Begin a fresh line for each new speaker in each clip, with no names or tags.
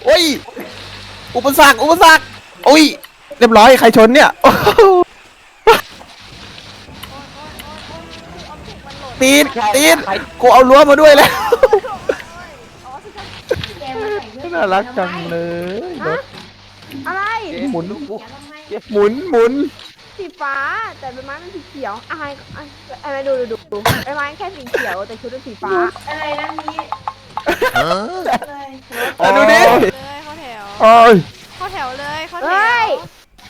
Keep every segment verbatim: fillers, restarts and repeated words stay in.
โอ้ยอุปสรรคอุปสรรคโอ้ยเรียบร้อยใครชนเนี่ยตีนตีนกูเอารั้วมาด้วยแล้วน่ารักจังเลยรถ
อะไร
หมุนหมุนหมุน
สีฟ้าแต่ใบไม้มันสีเขียวอะไรอะไรดูดูดูใบไม้แค่สีเขียวแต่ชุดเป็นสีฟ้าอะไรนะนี้
อ่ะดูดิ
เลยเข้าแถว
โอ้ย
เข้าแถวเลยเข้าแถ
เฮ้ยว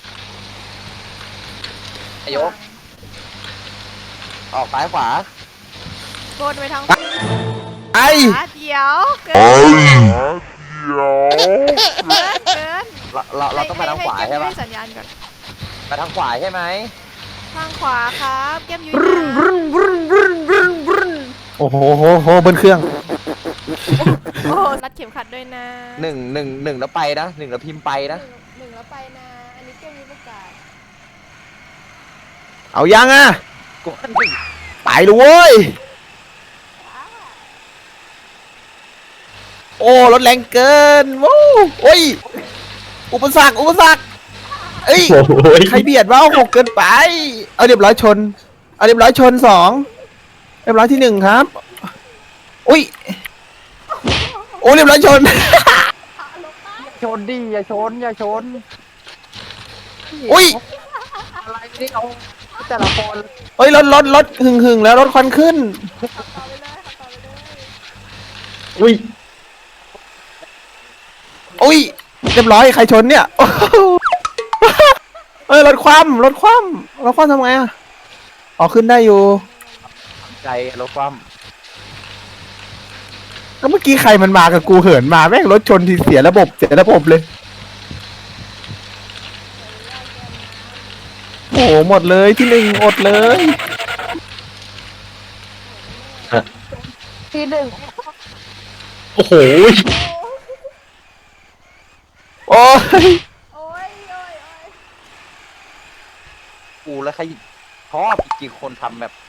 อายกออกซ้ายขวา
โกนไปทางข
ไอ
วาเดี๋ยวเกินเกินเกิน
เราเราเราต้องไปทางขวาใช่ปะ
ให้สัญญาณก่อน
ไปทางขวาใช่ไหม
ทางขวาครับแก้มยุ้ย
โอ้โหโหโหบนเครื่อง
โอ้รัดเข็มขัดด้วยนะ
หนึ่งหนึ่งหนึ่งแล้วไปนะหนึ่งแล้วพิมพ์ไปนะ
หนึ่งแล้วไปนะอันนี้แก้มยุ้ยประกาศ
เอายังอ่ะ
กูว่าหนึ่ง
ไปเลยเว้ยโอ้รถแรงเกินวู้โอ้ยอุปสรรคอุปสรรคเอ้ยใครเบียดวะหกเกินไปเอาเรียบร้อยชนเอาเรียบร้อยชนสองเรียบร้อยที่หนึ่งครับอุ้ยโอ้เรียบร้อยชน
ชนดิอย่าชนอย่าชน
อุ้ย
อะไรนี่เอาแต่ละคน
เอ้ยรถรถรถหึงหึงแล้วรถควันขึ้น
ต่อไปเลยค่ะต่อไปเลย
อุ้ยอุ้ยเรียบร้อยใครชนเนี่ย เอ้ยรถคว่ำรถคว่ำรถคว่ำทำไงอ่ะอ๋อขึ้นได้อยู่
ใจรถความ
ก็เมื่อกี้ใครมันมากับกูเหินมาแม่งรถชนทีเสียระบบเสียระบบเลยโอ้โหหมดเลยที่หนึ่งอดเลย
ที่หนึ่ง
โอ้โหโอ้ย
โอ้ยโอ้ยโอ้ย
กูแล้วใครชอบจริงคนทำแบบ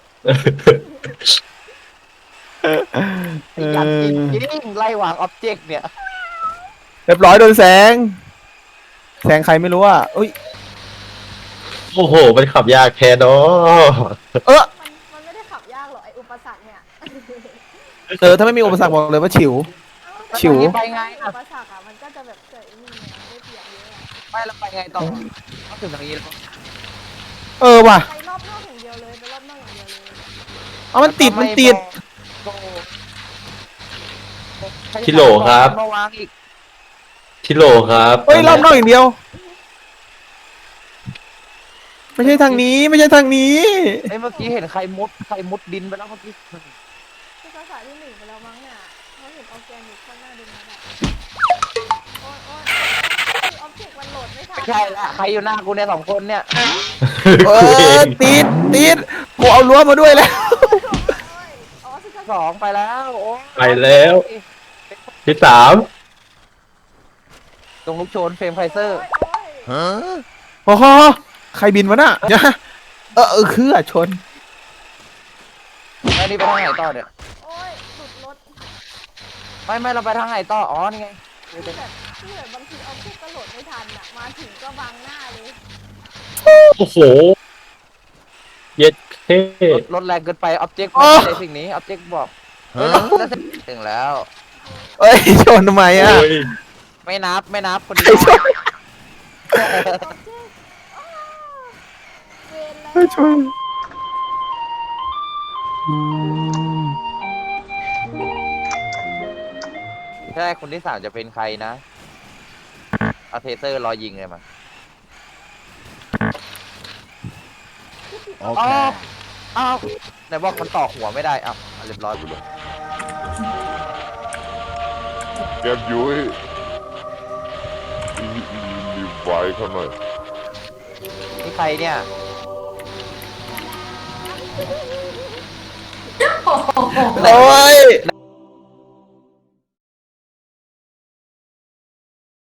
ยันจริงจริงไล่วางอ็อบเจกต์เนี่ย
เรียบร้อยโดนแสงแสงใครไม่รู้อ่ะอุ้ย
โอ้โห มันขับยากแท้เนาะ
เออ
มันมันไม่ได้ขับยากหรอกไออุปสรรคเนี่ย
เออถ้าไม่มีอุปสรรคบอกเลยว่าฉิว ฉิว
ไปไง
อุ
อ่ะ
ปสรรคอ่ะมันก็จะแบบเกิดไอ้นี่ไงได้เปรียบเยอะอะ
ไม่แล้วไปไงต่อต้องถึงทางนี้แล้ว
เออว่ะ
ไปรอบนอกอย่างเดียวเลยไปรอบนอกอย่างเดียวเลย
เอามันติดมันติด
ทิโหลครับ
มาวางอีก
ทิโหลครับ
เฮ้ยรอบนอกอย่างเดียว ไม่ใช่ทางนี้ไม่ใช่ทางนี้
ไอ้เมื่อกี้เห็นใครมุดใครมุดดินไปแล้วเมื่อกี้
คือภาษาที่หนึ่งไปแล้วมั้งเนี่ยเขาเห็นออร์แกนิกข้างหน้าดินมาแบบโอ้ยโอ้ยออบเจกต์มันโหลดไม่ทัน
ไม่ใช่ละใครอยู่หน้ากูเนี่ยสองคนเนี่ย
เออติดติดกูเอารั้วมาด้วยแล้ว
อ๋อคือ
สองไปแล้วโอ้
ไปแล้ว ที่สาม
ตรงลูกโชนเฟรมไฟเซอร์
โอ้โหใครบินวะน่ะเนี่ยเออเออคืออะชน
แล้วนี่ไปทางไหนต่อเนี่ย
โอ้ยหลุดรถ
ไม่ไม่เราไปทางไหนต่ออ๋อนี่ไง
คือแบบคือแบบบางทีออบเจกต์ก็โหลดไม่ทันอ่ะมาถึงก็บังหน้าเลย
โอ้โห เย็ดเท่
รถรถแรงเกินไปออบเจกต์ไม่ใช่สิ่งนี้ออบเจกต์บอกเฮ้ยแล้วถึงแล้ว
เอ้ยชนทำไมอะ
โอ้ย
ไม่นับไม่นับคน
ใคร
เดียว
ชน
ออบเจกต์อ้าวเวรแล้ว
ใครชนอืม
ใช่คนที่สามจะเป็นใครนะเอาเทเซอร์รอยิงเลยมาอ้าวอ้าวไหนบอกมันต่อหัวไม่ได้อ้าวเรียบร้อยกูเลย
แก้มยุ้ยรีรีบไว้เขาหน่อย
นี่ใครเนี่ย
โอ้ย